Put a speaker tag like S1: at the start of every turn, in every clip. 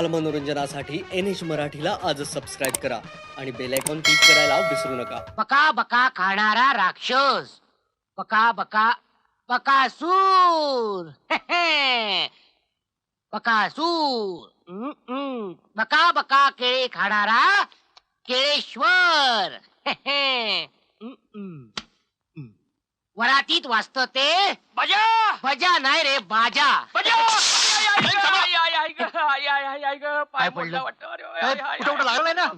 S1: बालमनोरंजनासाठी NH मराठीला आजच subscribe करा आणि बेल आयकॉन क्लिक करायला विसरू नका.
S2: बका बका खाणारा राक्षस, बका बका बकासूर बकासूर. बका बका केळे खाणारा केळेश्वर. वरातीत वाचत ते
S3: बजा
S2: बजा नाही रे बाजा.
S3: बजा
S2: काय पडलं?
S3: कुठं लागलाय ना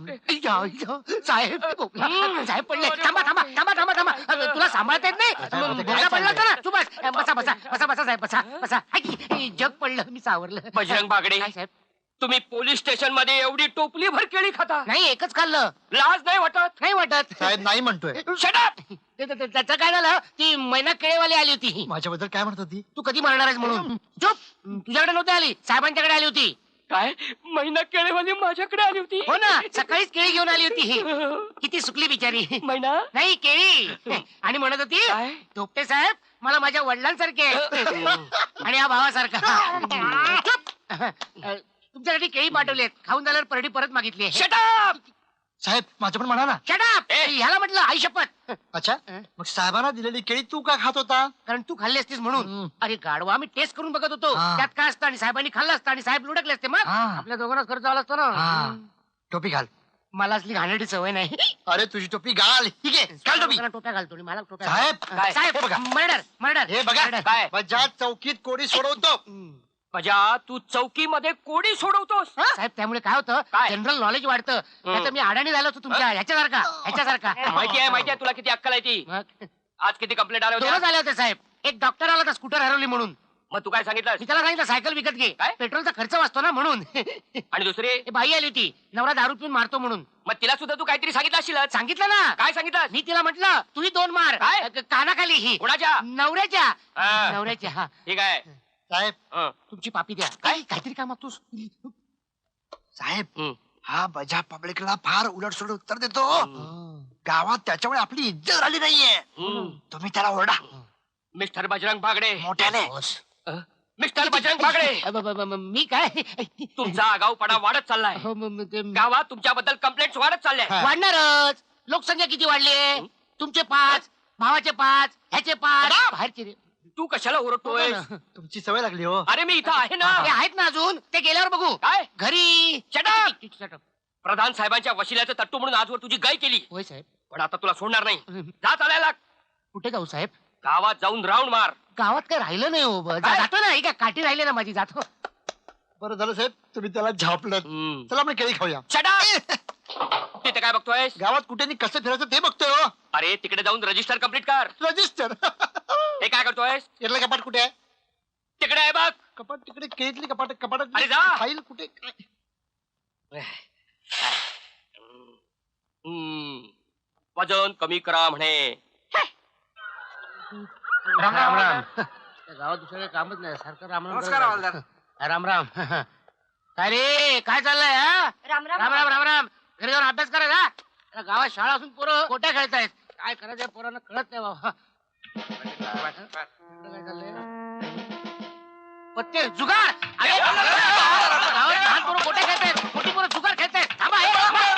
S2: साहेब साहेब पडले. थांबा थांबा थांबा थांबा थांबा. तुला सांभाळता येत नाही? बोला पडला होता ना. तू बस बसा बसा बसा बसा साहेब बसा बसा. जग पडलं मी सावरलं.
S3: बजरंग बागडे,
S2: काय साहेब?
S3: तुम्ही पोलीस स्टेशन मध्ये एवढी टोपली भर केळी खाता,
S2: नाही एकच खाल्लं.
S3: लाज नाही वाटत?
S2: नाही वाटत.
S4: साहेब नाही म्हणतोय.
S3: Shut up!
S2: त्याचं काय झालं? ती मैना केळेवाली आली होती.
S4: माझ्याबद्दल काय म्हणत होती?
S2: तू कधी मरणार आहेस म्हणून. चुप. तुझ्याकडे नव्हती आली, साहेबांच्याकडे आली होती.
S3: काय महिना केळीवाली माझ्याकडे आली होती?
S2: हो ना, सकाळीच केळी घेऊन आली होती. किती सुकली बिचारी.
S3: महिना
S2: नाही केळी. आणि म्हणत होती,
S3: काय?
S2: धोपटे साहेब मला माझ्या वडिलांसारखे आणि या भावासारखा. चुप. तुमच्यासाठी केळी पाठवलेत. खाऊन झाल्यावर परडी परत मागितली.
S3: Shut up!
S4: साहेब माझं पण म्हणा ना.
S2: शटाप. ह्याला म्हटलं आई शपथ.
S4: अच्छा मग साहेबांना दिलेली केळी तू का खात होता?
S2: कारण तू खाल्ली असतीस म्हणून. अरे गाडवा, आम्ही टेस्ट करून बघत होतो
S4: हा.
S2: त्यात काय असतं आणि साहेबांनी खाल्लं असतं आणि साहेब लुडकले असते. मग
S4: हा.
S2: आपल्या दोघांनाच खर्च आला असतो
S4: हा.
S2: ना.
S4: टोपी घाल.
S2: मला असली घाणेरडी सवय नाही.
S4: अरे तुझी टोपी घाल. ठीक आहे घाल टोपी.
S2: लोकांना टोप्या घालतो आणि मला टोप्या
S4: साहेब
S3: काय?
S2: साहेब
S4: हे बघा.
S2: मर्डर मर्डर
S4: हे बघा
S3: काय?
S4: बजाज चौकीत कोडी सोडवतो.
S3: बजा, तू चौकीमध्ये कोडी सोडवतोस?
S2: साहेब त्यामुळे काय होतं,
S3: काय?
S2: जनरल नॉलेज वाढतं. नाहीतर मी अडाणी झालो होतो तुमच्या ह्याच्यासारखा.
S3: माहिती आहे तुला किती अक्कल आहे ती.
S2: मग
S3: आज किती कंप्लेंट आल्या
S2: दोनच
S3: होत्या?
S2: आले होते साहेब. एक डॉक्टर आला होता स्कूटर हरवली म्हणून.
S3: मग तू काय सांगितलं?
S2: मी त्याला सांगितलं सायकल विकत घे,
S3: काय?
S2: पेट्रोलचा खर्च वाचतो ना म्हणून.
S3: आणि दुसरी?
S2: हे बाई आली होती, नवरा दारू पिऊन मारतो म्हणून.
S3: मग तिला सुद्धा तू काहीतरी सांगितलं असेल.
S2: सांगितलं ना.
S3: काय सांगितलं?
S2: मी तिला म्हटलं तुम्ही दोन मार.
S3: काय?
S2: कानाखाली ही
S3: कोणाच्या?
S2: नवऱ्याच्या.
S3: हा.
S2: नवऱ्याच्या. हा.
S3: ठीक आहे.
S4: साहेब
S3: हं.
S2: तुमची पापी द्या.
S3: काय?
S2: काहीतरी काय मागतोस?
S4: साहेब
S3: हं.
S4: हा बजा पब्लिकला फार उलटसुलट उत्तर देतो. गावात त्याच्यामुळे आपली इज्जत झाली नाहीये.
S3: हं.
S4: तुम्ही त्याला ओरडा
S3: मिस्टर बजरंग बागडे.
S4: मोठ्याने.
S3: मिस्टर बजरंग बागडे,
S2: मी काय
S3: तुमचा आगाऊपणा वाढत चाललाय.
S2: हो, ते
S3: गावात तुमच्याबद्दल कंप्लेंट्स वाढत चालल्या.
S4: हा.
S2: वाढणारच. लोकसंख्या किती वाढली? तुमचे 5, भावाचे 5, ह्याचे 5,
S3: बाप!
S2: बाहेरचे रे.
S3: तू कशाला ओरडतोय?
S4: तुमची सवय लागली हो.
S3: अरे मी इथं आहे ना.
S2: ते आहेत ना अजून, ते गेल्यावर बघू.
S3: काय?
S2: घरी.
S3: Shut up! प्रधान साहेबांच्या वशिल्याचं तट्टू म्हणून आजवर तुझी गाय केली,
S2: होय साहेब.
S3: पण आता तुला सोडणार नाही. जा चालायला.
S2: कुठे जाऊ साहेब?
S3: गावात जाऊन राऊंड मार.
S2: गावात काय राहिलं नाही हो.
S3: काय?
S2: जातो ना. ही काय काठी राहिली ना माझी. जातो.
S4: बरं झालं साहेब तुम्ही त्याला झापलं.
S3: हं.
S4: चला आपण केळी खाऊया.
S3: Shut up! तिथे काय बघतोयस?
S4: गावात कुठे आणि कसं फिरायचं ते बघतोय हो.
S3: अरे तिकडे जाऊन रजिस्टर कम्प्लीट कर.
S4: रजिस्टर.
S3: हे काय करतोयस?
S4: यातलं कपाट कुठे आहे?
S3: तिकडे आहे बघ.
S4: कपाट तिकडे केळीतली कपाट कपाटात
S3: अरे जा.
S4: फाईल कुठे?
S3: वजन कमी करा म्हणे.
S2: राम राम राम. त्या गावात दुसरं काही कामच नाही. सारखं राम राम.
S3: नमस्कार, हवालदार.
S2: राम राम. काय रे काय चाललंय? हा
S5: राम राम
S2: राम राम राम राम. घरी जाऊन अभ्यास करायचा. आता गावात शाळा असून पोरं कोट्या खेळतायत. काय करायचं पोरांना कळत नाही बाबा. काय चाललंय? पत्ते जुगार. अरे गावात लहान पोरं कोट्या खेळतायत, मोठी पोरं जुगार खेळतायत. थांबा हे.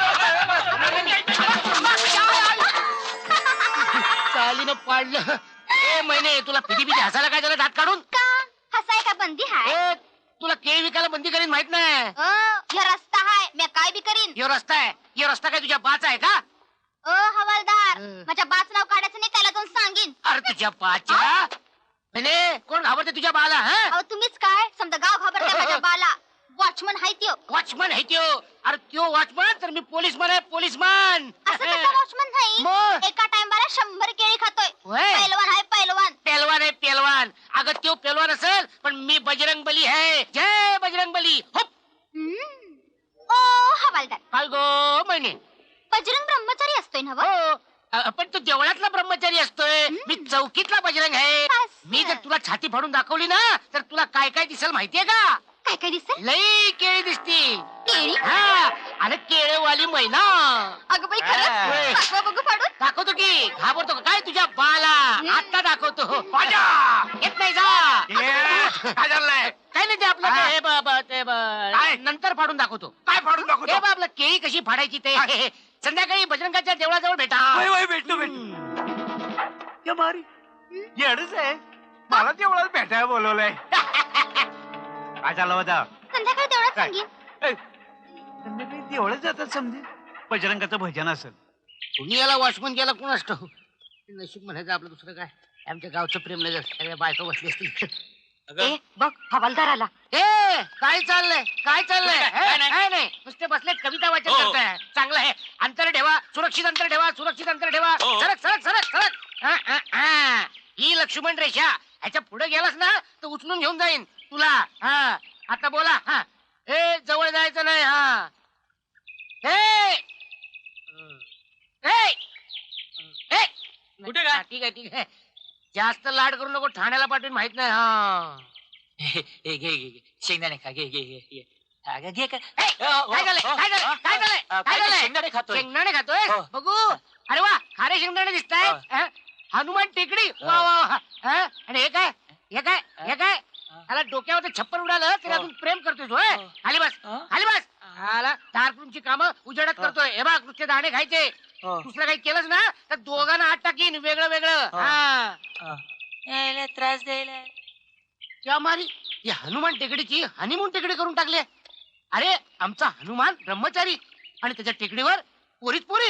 S2: चालीनं पाडलं. ए महिने तुला पिटी हसायला काय झालं दात काढून?
S5: का हसाय का बंदी हाय?
S2: ए तुला केळी विकायला बंदी करीन माहित नाही?
S5: ह्यो रस्ता हाय, मी काय बी करीन.
S2: यो रस्ता आहे. यो रस्ता काय तुझ्या बाचा आहे का?
S5: हवालदार,
S2: हं.
S5: माझ्या बाच नाव काढायचं नाही, त्याला जाऊन सांगीन.
S2: अरे तुझ्या बाच्या. म्हणे कोण घाबरते तुझ्या बाला? हा
S5: अहो तुम्हीच काय समजा गाव घाबरते माझ्या बाला. वॉचमन हाय त्यो.
S2: वॉचमन आहे त्यो. अरे त्यो वॉचमन तर मी पोलीसमन आहे. पोलीसमन.
S5: असं कसं वॉचमन नाही?
S2: मग?
S5: एका टाइमला 100 केळी खातोय.
S2: होय.
S5: पैलवान हाय पैलवान.
S2: पेलवान आहे पेलवान. अगं त्यो पेलवान असेल पण मी बजरंग बली आहे. जय बजरंग बली. हुप.
S5: ओ हवालदार,
S2: काय गो महिने?
S5: बजरंग ब्रह्मचारी असतोय ना व?
S2: हो. पण तू देवळातला ब्रह्मचारी असतोय. मी चौकीतला बजरंग आहे.
S5: असं.
S2: मी जर तुला छाती फाडून दाखवली ना तर तुला काय काय दिसेल माहितीये का?
S5: काय काय दिसेल?
S2: लई केळी दिसती.
S5: केळी?
S2: हा आणि केळेवाली मैना.
S5: अगं बाई खरंच?
S2: होय.
S5: दाखवा बघू फाडून.
S2: दाखवतो की. घाबरतो का काय तुझ्या बाला? आता दाखवतो.
S3: बाजा!
S2: येत नाही जा.
S3: काय झालंय?
S2: काय नाही ते आपलं ते
S3: काय?
S2: नंतर फाडून दाखवतो.
S4: काय फाडून
S2: हे
S4: दाखवतो?
S2: बा आपलं केळी कशी फाडायची ते संध्याकाळी बजरंगाच्या देवळाजवळ भेटा.
S4: वय वय भेटतो या भारी येडच आहे. मला तेवढं भेटायला बोलवलंय. काय झालं होतं?
S5: संध्याकाळी तेवढंच सांगेन.
S4: संध्याकाळी तेवढंच जातात समजे. बजरंगाचं भजन असेल.
S2: तुम्ही याला वॉचमन गेला कोण असतो? नशीब म्हणायचं आपलं, दुसरं काय. आमच्या गावचं प्रेमनगर सगळ्या बायका बसली असतील.
S5: ए बघ हवालदार आला.
S2: ए काय चाललंय काय चाललंय? काय नाही, नुसते बसले कविता वाचन करताय. चांगलं आहे. अंतर ठेवा, सुरक्षित अंतर ठेवा, सुरक्षित अंतर ठेवा. सरक सरक सरक सरक. ही लक्ष्मण रेषा. ह्याच्या पुढे गेलास ना तर उचलून घेऊन जाईन तुला. हा आता बोला. हा ए जवळ जायचं नाही. हा ए
S3: कुठे काय?
S2: ठीक आहे ठीक आहे. जास्त लाड करू नको, ठाण्याला पाठवून माहित नाही. हा
S3: घे घे घे शेंगदाणे खा. घे घे घे घे. घे काय
S2: काय झालंय काय झालंय काय झालंय काय झालंय?
S3: शेंगदाणे खातोय.
S2: शेंगदाणे खातोय.
S3: हो.
S2: बघू. अरे वा, खारे शेंगदाणे दिसतायत. हनुमान टेकडी. वा वा वा. आणि हे काय हे काय हे काय? त्याला डोक्यावर छप्पर उडालं तरी अजून प्रेम करतोय तो. खाली बस खाली बस. आला तारपूरची कामं उजेडात करतोय. हे बघ नुसते दाणे खायचे. दुसरं काही केलंच ना तर दोघांना हात टाकीन वेगळं वेगळं.
S3: त्रास द्यायला
S2: त्या मारी ही हनुमान टेकडीची हनीमून टेकडी करून टाकली. अरे आमचा हनुमान ब्रह्मचारी आणि त्याच्या टेकडीवर पोरीच पोरी.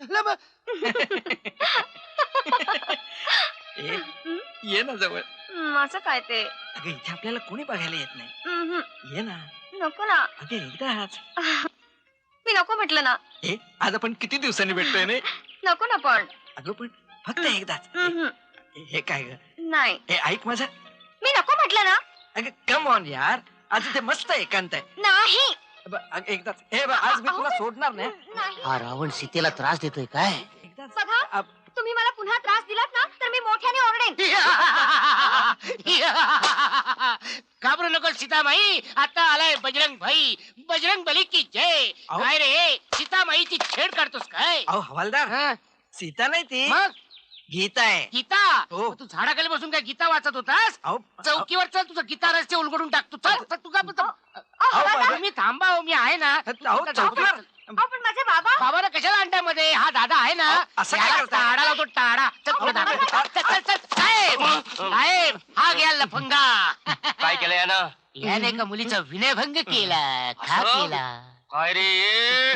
S3: ये ना जवळ.
S5: असं काय ते?
S3: अगं इथे आपल्याला कोणी बघायला येत नाही. ये ना.
S5: नको ना.
S3: अगं एकदाच.
S5: मी नको म्हटलं ना.
S3: आज आपण किती दिवसांनी भेटतोय ना.
S5: नको ना पण.
S3: अगं पण फक्त एकदाच. हे काय ग?
S5: नाही
S3: हे ऐक माझं.
S5: मी नको म्हटलं ना.
S3: अगं कम ऑन यार, आज इथे मस्त एकांत आहे.
S5: नाही
S3: एकदाच. हे बघ, आज मी तुला सोडणार नाही.
S5: नाही.
S2: हा रावण सीतेला त्रास देतोय काय?
S3: एकदाच.
S5: बघा तुम्ही मला पुन्हा त्रास दिलात ना तर मी मोठ्याने ओरडेन.
S2: घाबरू नको सीतामाई, आता आलाय बजरंग भाई. बजरंग बली की जय.
S3: अहो.
S2: काय रे सीतामाईची छेड काढतोस काय?
S3: अहो हवालदार,
S2: हं?
S3: सीता नाही ती,
S2: मग
S3: गीता आहे.
S2: गीता.
S3: हो.
S2: मग तू झाडाखाली बसून काय गीता वाचत होतास?
S3: अहो
S2: चौकीवर चल, तुझं गीता रस्ते उलगडून टाकतो. चल चल, तू का
S3: बाबा.
S2: तुम्ही थांबा हो, मी आहे ना.
S3: अहो, चौकीवर.
S5: पण माझे बाबा.
S2: बाबाला कशाला अंड्यामध्ये? हा दादा आहे ना.
S3: अहो, असं काय
S2: याला
S3: करताय?
S2: टाळा लावतो टाळा. चल पुढे दाबा. चल चल चल. साहेब साहेब, हा घ्या लफंगा.
S3: काय केलं यानं?
S2: याने एका मुलीचा विनयभंग केला. का
S3: असं?
S2: केला?
S3: काय रे?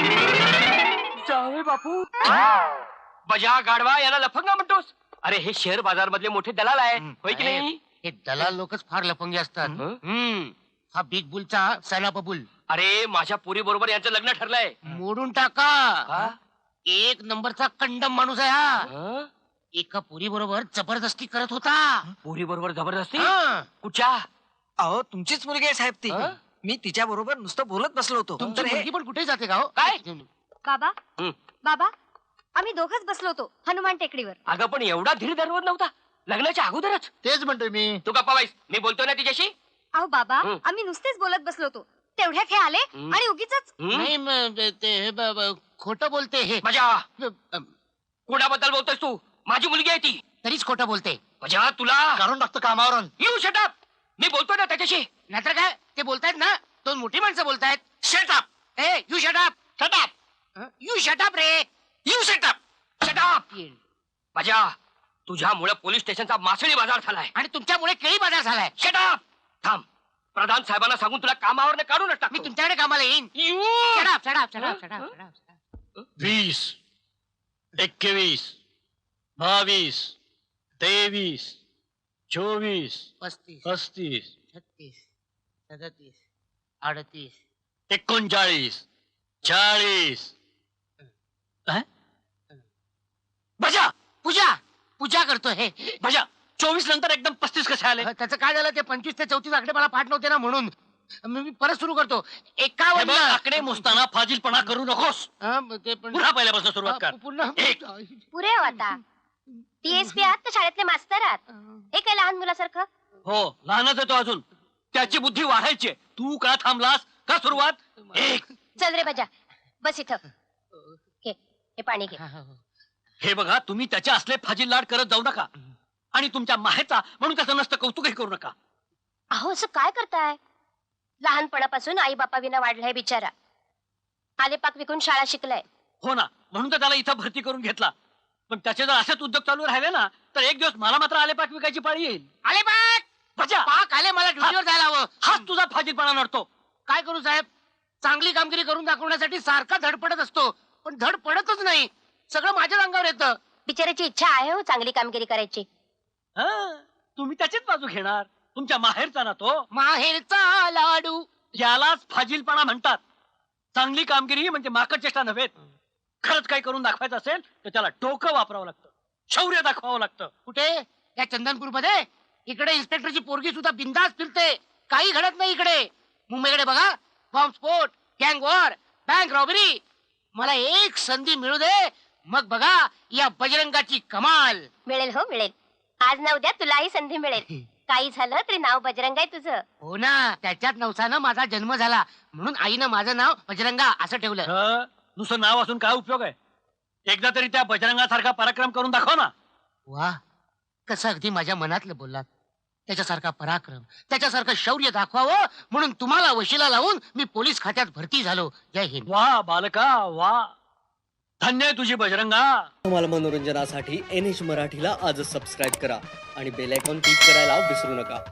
S3: जावे बापू. बजा गाडवा याला लफंगा म्हणतोस? अरे हे शेअर बाजार मधले मोठे दलाल आहे, होय की नाही?
S2: हे दलाल लोकच फार लफंगे असतात.
S3: हं?
S2: हा बिग बुलचा सैलाप बुल.
S3: अरे माझ्या पुरी बरोबर यांचं लग्न ठरलंय.
S2: मोडून टाका.
S3: हा?
S2: एक नंबरचा कंडम माणूस आहे हा.
S3: हं?
S2: एका पुरी बरोबर जबरदस्ती करत होता.
S3: पुरी बरोबर जबरदस्ती?
S2: हं.
S3: कुठच्या?
S6: अहो तुमचीच मुलगी आहे साहेब ती.
S3: हं?
S6: मी तिच्या बरोबर नुसतं बोलत बसलो होतो.
S2: तुमची
S6: तर हे-
S2: मुलगी पण कुठे जाते का हो?
S3: काय?
S5: बाबा
S3: हं.
S5: बाबा आम्ही दोघच बसलो होतो हनुमान टेकडीवर.
S3: अगं पण एवढा धीर धरवत नव्हता लग्नाच्या अगोदरच.
S2: तेच म्हणतोय मी.
S3: तू गप्पा बाईस, मी बोलतोय ना तिच्याशी.
S5: अहो बाबा
S3: हं.
S5: आम्ही नुसतेच बोलत बसलो होतो तेवढ्यात हे आले
S3: हं.
S5: आणि उगीच
S3: हं?
S2: नाही खोटं बोलते हे.
S3: बजा
S2: अ,
S3: कोणाबद्दल बोलतोयस तू? माझी मुलगी आहे ती.
S2: तरीच खोटं बोलते.
S3: बजा तुला
S2: काढून टाकतो कामावरून.
S3: You shut up. मी बोलतोय ना त्याच्याशी.
S2: नाहीतर काय ते बोलतायत ना, दोन मोठी माणसं बोलतायत. शटअप. ए you shut up.
S3: Shut up.
S2: You shut up रे.
S3: You shut up. शटअप. बजा तुझ्यामुळे पोलीस स्टेशनचा मासळी बाजार झालाय.
S2: आणि तुमच्यामुळे केळी बाजार झालाय.
S3: शटअप. थांब, प्रधान साहेबांना सांगून तुला कामावर काढूनच टाक.
S2: मी तुमच्याकडे कामाला येईन.
S3: You
S2: shut up shut up shut up shut up shut up.
S7: 20, 21, 22, 23, 24,
S2: 35
S7: 35,
S2: 36 37 38
S7: 39, 40.
S3: बजा
S2: पूजा पूजा करतोय हे.
S3: बजा 24 नंतर एकदम 35 कसे आले?
S2: त्याचं काय झालं, ते 25 ते 34 आकडे मला पाठ नव्हते ना, म्हणून मी परत सुरू करतो.
S7: हे
S2: 51.
S7: बघ, आकडे मोजताना फाजीलपणा करू नकोस.
S2: ते पण
S7: पुन्हा पहिल्यापासून सुरुवात कर.
S2: पुन्हा
S5: पुरे हो आता. DSP आहात तर शाळेतले मास्तर आहात. हे काय लहान मुलासारखं.
S7: हो, लहानच आहे तो अजून. त्याची बुद्धी वाढायची. तू का थांबलास? का सुरुवात? एक.
S5: चल रे बजा बस इथं. हे पाणी घे.
S7: हे बघा, तुम्ही त्याचे असले फाजील लाड करत जाऊ नका. आणि तुमच्या माहेचा म्हणून त्याचं नसतं कौतुकही करू नका.
S5: अहो असं काय करताय. लहानपणापासून आई बापा विना वाढलाय बिचारा. आलेपाक विकून शाळा शिकलाय.
S7: हो ना, म्हणून तर त्याला इथं भरती करून घेतला. पण त्याचे जर असेच उद्योग चालू राहिले ना तर एक दिवस मला मात्र आलेपाक विकायची पाळी येईल.
S2: आले पाक
S7: बजा,
S2: पाक आले, मला ड्युटीवर जायला हवं.
S7: हाच तुझा फाजीलपणा नडतो.
S2: काय करू साहेब, चांगली कामगिरी करून दाखवण्यासाठी सारखा धडपडत असतो, पण धड पडतच नाही. सगळं माझ्या अंगावर येतं.
S5: बिचाराची इच्छा आहे हो चांगली कामगिरी करायची.
S7: तुम्ही त्याचीच बाजू घेणार. तुमच्या माहेरचा ना तो.
S2: माहेरचा लाडू.
S7: यालाच फाजीलपणा म्हणतात. चांगली कामगिरी म्हणजे माकड चेष्टा नव्हे. खरंच काही करून दाखवायचं असेल तर त्याला डोकं वापरावं लागतं, शौर्य दाखवावं लागतं.
S2: कुठे? या चंदनपूर मध्ये. इकडे इन्स्पेक्टरची पोरगी सुद्धा बिंदास फिरते, काही घडत नाही इकडे. मुंबईकडे बघा, बॉम्बस्फोट, गँग वॉर, बँक रॉबरी. मला एक संधी मिळू दे, मग बघा या बजरंगाची कमाल.
S5: मिळेल हो मिळेल. आज ना उद्या तुलाही संधी मिळेल. काही झालं तरी नाव बजरंग आहे तुझं.
S2: हो ना, त्याच्याच नवसानं माझा जन्म झाला, म्हणून आईनं माझं नाव बजरंगा असं ठेवलं.
S7: नुसतं नाव असून काय उपयोग आहे? एकदा तरी त्या बजरंगासारखा पराक्रम करून दाखव ना.
S2: वा, कसं अगदी माझ्या मनातलं बोललात. त्याच्यासारखा पराक्रम, त्याच्यासारखं शौर्य दाखवावं म्हणून तुम्हाला वशिला लावून मी पोलीस खात्यात भरती झालो. जय हिंद.
S7: वा बालका वा, धन्य आहे तुझी बजरंगा.
S1: तुम्हाला मनोरंजनासाठी NH मराठीला आजच सबस्क्राईब करा आणि बेल आयकॉन क्लिक करायला विसरू नका.